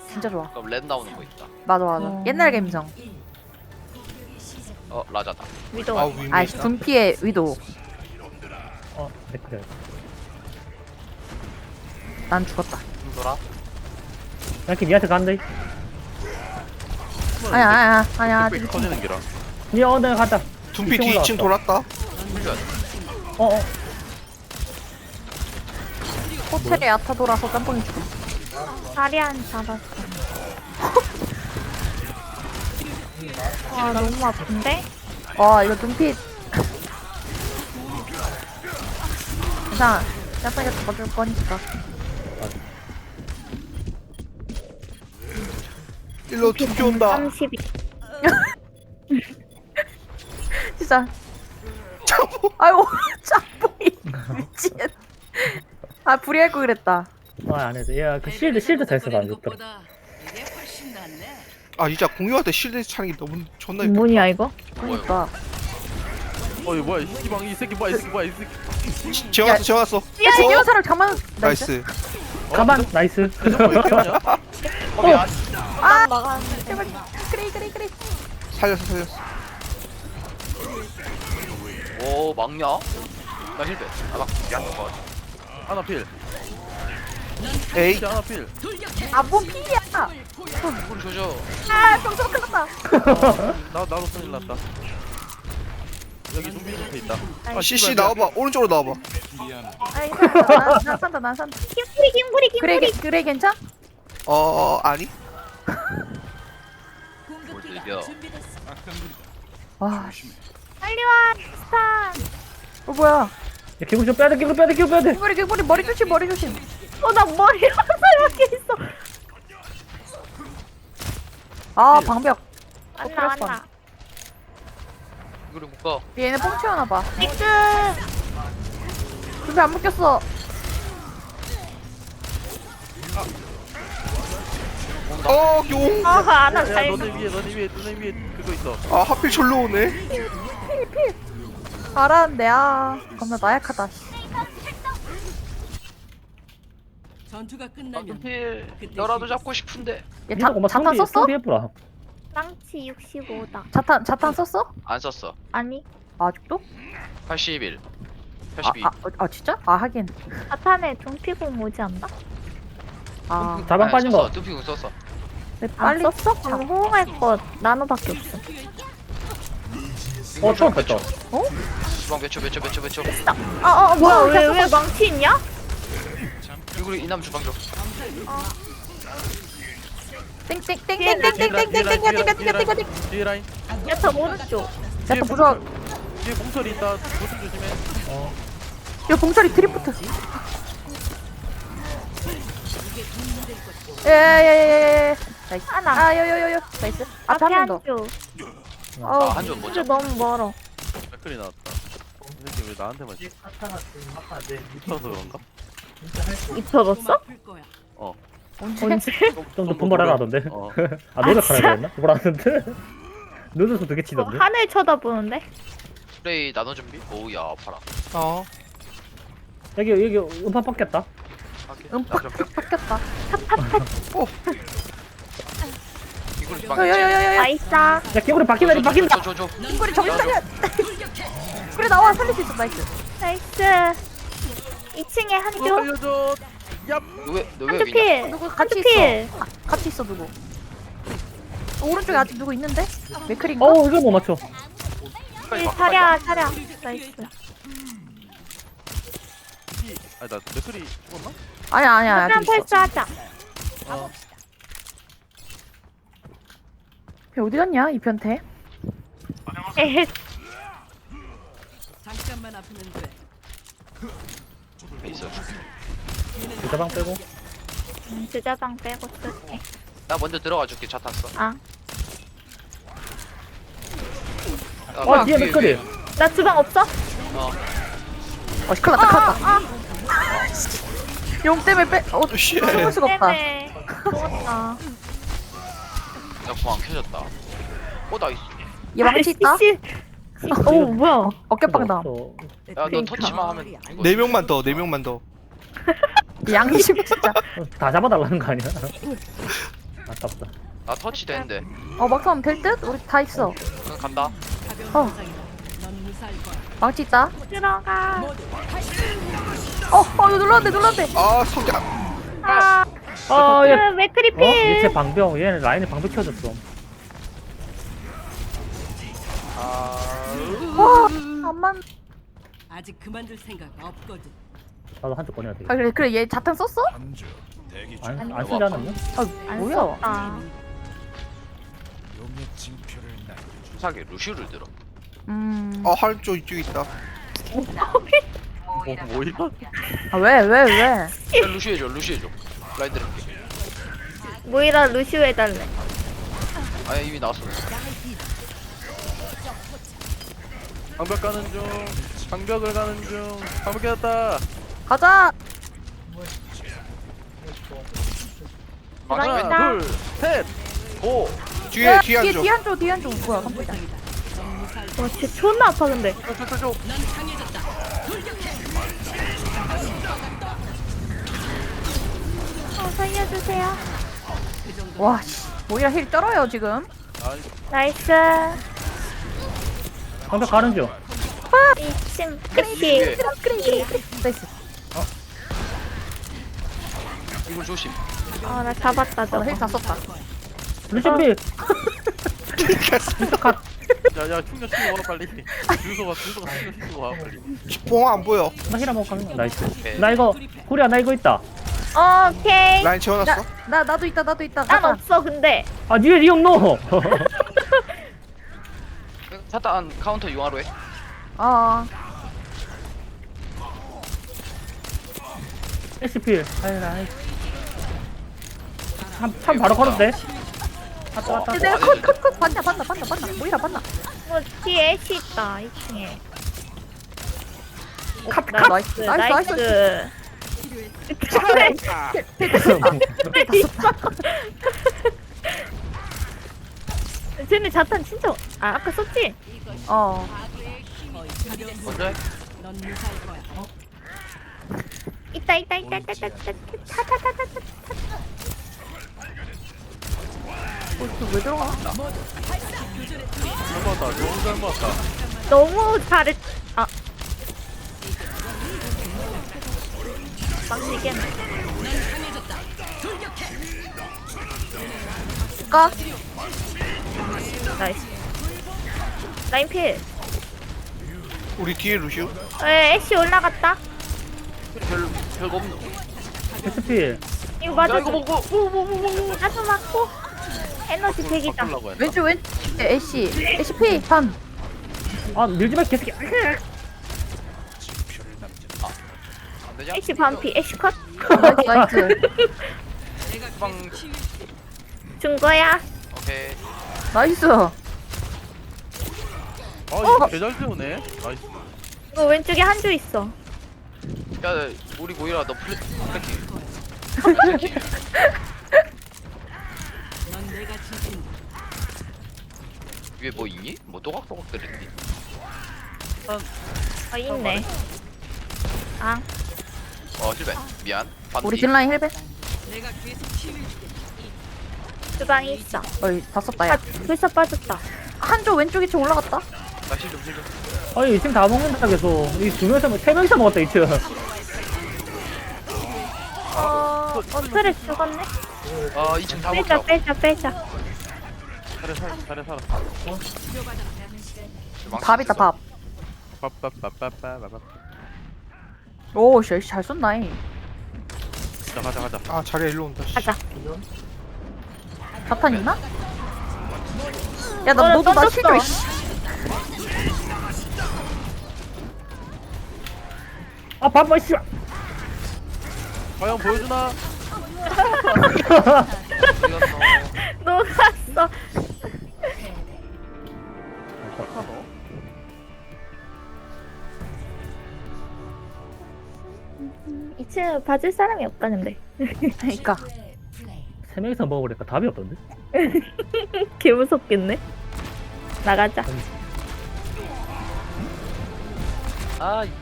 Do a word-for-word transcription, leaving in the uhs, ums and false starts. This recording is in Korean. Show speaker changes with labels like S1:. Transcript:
S1: 진짜 좋아.
S2: 그럼 렌 나오는 거 있다.
S1: 맞아 맞아.
S3: 어.
S1: 옛날 감성.
S2: 어 라자다.
S3: 위도.
S4: 아 위메.
S1: 아이씨 둠피의 위도.
S5: 어, 댓글.
S1: 난 죽었다.
S2: 돌아.
S5: 이렇게 니한테 간다.
S1: 아니야 아니야 아니야.
S6: 빽빽 터지는 기라.
S5: 니 어, 내가 갔다.
S4: 둠피
S5: 이층
S4: 뒤 이 층 돌았다.
S2: 풀려.
S5: 어, 어.
S1: 호텔에 야타 돌아서 짬뽕이 죽음.
S3: 다리안 잡았어. 아 너무 아픈데?
S1: 와 이거 둠피. 괜찮아. 짬뽕이가 잡아줄 거니까.
S4: 일로 둠피 온다.
S3: 삼십이.
S1: 진짜.
S4: 짬뽕.
S1: 아이고 짬뽕이 미친. 아 불이할 거 그랬다.
S5: 아, 안 해도. 야, 그 실드, 실드 잘 써도 안 좋더라.
S4: 아 진짜 공유할 때 실드 차는 게 너무 존나 이쁘.
S3: 뭐냐 이거?
S1: 그러니까.
S6: 어 이거 뭐야 이 새끼방 이 새끼 뭐야 이 새끼 뭐야 이 새끼.
S4: 지어갔어 지어갔어.
S1: 야 이거 사람 가만.
S4: 나이스.
S5: 가만, 나이스.
S6: 뭐 이렇게 하냐?
S2: 거기 안.
S1: 아
S3: 나가는데.
S1: 제발. 그래 그래 그래.
S4: 살렸어 살렸어.
S2: 오 막냐? 나 힐배. 아막 야는 거.
S6: 하나 필.
S4: 에이.
S6: 필 하나 필.
S1: 아뭔 필이야.
S2: 우리 조져.
S1: 아 병서 큰일 났다.
S6: 나 나도 큰일 났다. 여기 좀비 밑에 있다.
S4: 아 씨씨 나와봐. 오른쪽으로 나와봐.
S1: 아이 난, 난 산다 난 산다.
S3: 김뿌리 김뿌리
S1: 그래
S3: 김뿌리.
S1: 게- 그래 괜찮?
S4: 어, 어 아니.
S2: 뭘 들려.
S1: 와. 씨.
S3: 빨리 와 스타.
S1: 어 뭐야?
S5: 야, 개구 좀 빼야 돼, 개구 빼야 돼, 개구 빼야 돼.
S1: 머리 머리 머리 조심 머리 조심.
S3: 어나 머리 화살 박혀 있어.
S1: 아 방벽.
S3: 왔나 왔나.
S2: 이거를 묶어.
S1: 얘네 뽕 튀어나 봐.
S3: 믹스.
S1: 준비 안 묶였어.
S4: 어 용.
S3: 아하 나
S6: 야
S3: 잘.
S6: 너네 위에 너네 위에 너네 위에 그거 있어.
S4: 아 하필 절로 오네.
S1: 필필. 알았는데 아 겁나 나약하다.
S7: 전투가
S2: 아
S7: 끝나면
S2: 필. 너라도 잡고 싶은데.
S1: 얘 자,
S5: 니가
S1: 자탄 썼어?
S5: 해보라.
S3: 랑치 육십오다.
S1: 자탄 자탄 썼어?
S2: 안 썼어.
S3: 아니
S1: 아직도?
S2: 팔십일.
S1: 아,
S2: 팔십이.
S1: 아, 어, 아 진짜? 아 하긴.
S3: 사탄에 둠피공 오지 않나?
S1: 아
S5: 자방
S2: 아니,
S5: 빠진
S2: 썼어.
S5: 거.
S2: 뚜피군 썼어.
S1: 왜
S3: 안
S1: 빨리
S3: 썼어? 그럼 호응할 거 나노밖에 없어.
S5: 어, 처음 뺐다.
S2: 주방 몇 초, 몇 초, 몇 초, 몇 초.
S3: 어어 뭐야 왜 왜 망치 있냐?
S2: 이거 이남 주방 줘.
S1: 땡땡땡땡땡땡땡땡땡땡땡땡땡땡땡땡.
S6: 뒤에 라인.
S3: 야저 오른쪽.
S1: 자탄 부서.
S6: 뒤에 공설이 있다. 조심 조심해.
S1: 야 봉철이 드리프트. 예예예예. 나이스.
S3: 하나.
S1: 아 요요요요. 나이스. 앞에
S3: 앞에
S1: 한 명 더.
S3: 한쪽.
S2: 아
S1: 어우.
S2: 한점 못
S3: 이거
S2: 잡.
S3: 너무 멀어.
S6: 댓글이 나왔다. 이 새끼 왜 나한테만 미쳐서 그런가?
S3: 입혀졌어?
S7: 아플 거야.
S6: 어.
S1: 언제?
S3: 언제?
S5: 좀더 분발하라 하던데.
S6: 어.
S5: 아, 노력하라 그랬나? 분발하는데. 눈에서 되게
S3: 어,
S5: 치던데.
S3: 하늘 쳐다보는데?
S2: 플레이 나눠 준비. 오우야 아파라.
S4: 어.
S5: 여기, 여기 음파 뻗겠다.
S1: 음팍 바뀌었다.
S2: 이걸 주방.
S1: 요요요요요.
S3: 나이스.
S5: 야, 개구리 바뀐다, 니 바뀐다.
S2: 줘줘.
S1: 이거리 정신 차려. 그래 나와 살릴 수 있어 나이스.
S3: 나이스. 이 층에
S6: 어,
S3: 한쪽.
S6: 살려줘. 얍.
S2: 너왜너왜
S3: 한쪽
S2: 위냐?
S3: 필.
S1: 누구 같이
S3: 한쪽
S1: 있어.
S3: 필.
S1: 아, 같이 있어 누구? 어, 오른쪽에 아직 누구 있는데? 맥클인가?
S5: 어, 이거 못 맞춰.
S3: 필 차려 차려. 나이스.
S6: 아니 나 댓글이 죽었나?
S1: 아니야 아니야
S3: 한편
S1: 아직 있어.
S3: 패스하자.
S6: 어.
S1: 걔 어디 갔냐 이 변태?
S3: 에헤.
S7: 잠깐만 아프면 돼.
S2: 있어.
S5: 자방 빼고.
S3: 음, 주자방 빼고 쓸게.
S2: 나 먼저 들어가 줄게. 차 탔어.
S3: 아.
S2: 아,
S5: 어, 뒤에
S2: 위에,
S5: 맥거리.
S2: 위에.
S3: 나 주방 없어?
S2: 어.
S1: 어 큰일 났다 큰일 났다.
S3: 아.
S1: 용 때문에 빼. 어
S4: 씨.
S1: 숨을 수가 없다.
S3: 때문에. 죽었다.
S2: 나공안 켜졌다. 어 나이스.
S1: 얘 망치 있다.
S3: 씨. 오 뭐야?
S1: 어깨빵다.
S5: 없어.
S2: 야너
S3: 그러니까.
S2: 터치만 하면. 이거
S4: 네 명만 더. 네 명만 더.
S1: 양심 진짜.
S5: 다 잡아달라는 거 아니야? 아깝다.
S2: 나 터치 되는데.
S1: 어 막상 될 듯? 우리 다 있어.
S2: 그냥 간다.
S1: 어.
S7: 넌 무사할 거야.
S1: 망치 있다.
S3: 들어가.
S1: 어, 어 이거 눌렀는데 눌렀는데.
S4: 아 성장.
S3: 아,
S5: 아, 얘,
S3: 그 맥크리필.
S5: 어? 얘쟤 방벽. 얘는 라인에 방벽 키워줬어.
S1: 와, 안만.
S7: 아직 그만둘 생각 없거든.
S5: 나도 한쪽 꺼내야 돼.
S1: 아 그래 그래 얘 자탄 썼어?
S5: 안, 안 쓰지 않았나?
S1: 아
S3: 안
S1: 뭐야?
S3: 썼다.
S2: 수사기 루시우를 들어.
S1: 음.
S4: 어 할쪽 이쪽에 있다.
S6: 뭐 뭐야?
S1: 아 왜 왜 왜?
S2: 야, 루시우 해줘 루시우 해줘. 라인 들을게.
S3: 모이라 루시오 해달래.
S2: 아 이미 나왔어.
S6: 방벽 가는 중. 방벽을 가는 중. 방벽 깨졌다.
S1: 가자.
S2: 망치
S3: 들어간다.
S2: 왼.
S6: 둘, 셋.
S2: 오.
S4: 뒤에
S1: 야,
S4: 뒤에
S1: 뒤에
S4: 한쪽.
S1: 뒤에 한쪽 뒤에 한쪽 뭐야 깜짝이야.
S3: 와, 진짜 존나 아파 근데.
S6: 저저저
S3: 어, 살려주세요.
S1: 와, 씨. 모이라 힐 쩔어요 지금.
S3: 나이스.
S5: 방벽 가는 중.
S3: 이층
S2: 위에.
S3: 크리필.
S1: 그래 그래. 나이스.
S2: 이걸 조심.
S3: 아, 나 잡았다 저거.
S1: 힐 다 썼다.
S5: 루시필.
S6: 야야 충전 시키고 와 빨리. 주소가 주소가 충전 시키고 와 빨리.
S4: 봉 안 보여.
S5: 나 힐 한번 가는 거. 나이스.
S2: 오케이.
S5: 나 이거 구리야 나 이거 있다.
S3: 오케이.
S4: 라인 채워놨어.
S1: 나, 나 나도 있다 나도 있다.
S3: 난
S1: 가자.
S3: 없어 근데.
S5: 아 뒤에 리용 노.
S2: 차단 카운터 융화로 해.
S1: 어.
S5: 에스필. 아이라. 참, 참 바로 걸었대. 왔다 왔다.
S1: 야, 내가 컷컷컷 봤나 봤나 봤나 봤나. 모이라 봤나.
S3: 뭐 뒤에 애쉬 있다 이 층에.
S1: 컷
S3: 나이스
S1: 나이스 나이스 나이스.
S3: 쟤네 자탄 진짜 아 아까 썼지?
S1: 어.
S2: 먼저 해.
S7: 넌 무사할 거야.
S3: 있다 있다 있다 있다 있다 있다 타타타타타.
S1: 왜 들어가?
S6: 잘 모았다. 너무 잘 모았다.
S3: 너무 잘했. 아. 망치겠네.
S1: 까?
S3: 나이스. 라인필.
S4: 우리 뒤에 루시우.
S3: 에 애쉬 올라갔다.
S2: 별 별거 없노.
S5: 에스필.
S3: 이거 맞아.
S2: 야 이거 먹고.
S3: 나도 맞고. 에너지 백이다.
S6: 바꾸려고 했나?
S1: 왼쪽 왼 애쉬 애쉬 피 반.
S5: 아 밀지 마 개새끼.
S2: 안 되냐?
S3: 애쉬 반피. 애쉬 컷.
S1: 나이스 나이스.
S2: 후방.
S3: 준 거야.
S2: 오케이.
S1: 나이스.
S6: 아 이거 개잘 세우네. 나이스.
S3: 이거 왼쪽에 한 줄 있어.
S2: 야 우리 모이라 너 플래키. 플래키.
S7: 넌 내가 지킨다.
S2: 위에 뭐 있니? 뭐 또각또각 들었니?
S3: 아 있네. 아
S2: 어 실패. 미안. 반디.
S1: 우리 딜라인 힐베.
S7: 내가 계속 치유해줄게.
S3: 주방에 있어.
S1: 어이 다 썼다
S3: 아
S1: 야.
S3: 벌써 빠졌다.
S1: 한쪽 왼쪽 이층 올라갔다.
S2: 나실좀 실좀.
S5: 아니 이층 다 먹는다 계속. 이 두 명이서 세 명이서 먹었다 이층.
S3: 어 어트레 죽었네.
S2: 아 이층 다
S3: 빼자
S2: 먹자.
S3: 빼자 빼자.
S6: 잘해 살 잘해 살아.
S1: 밥 있다 밥.
S6: 빠빠빠빠빠빠.
S1: 오 씨, 잘 쏜나이.
S6: 자 가자 가자.
S4: 아 자리야 일로 온다. 씨.
S3: 가자.
S1: 자탄 있나? 야, 나
S3: 너는
S1: 너도 나
S3: 던졌어.
S1: 실줘. 이씨.
S5: 아 밥만 씨.
S6: 과연 보여주나?
S3: 녹았어. 이층 봐줄 사람이 없다 근데.
S1: 그러니까.
S5: 세 명이서 먹으니까 답이 없던데.
S3: 개 무섭겠네. 나가자.
S2: 아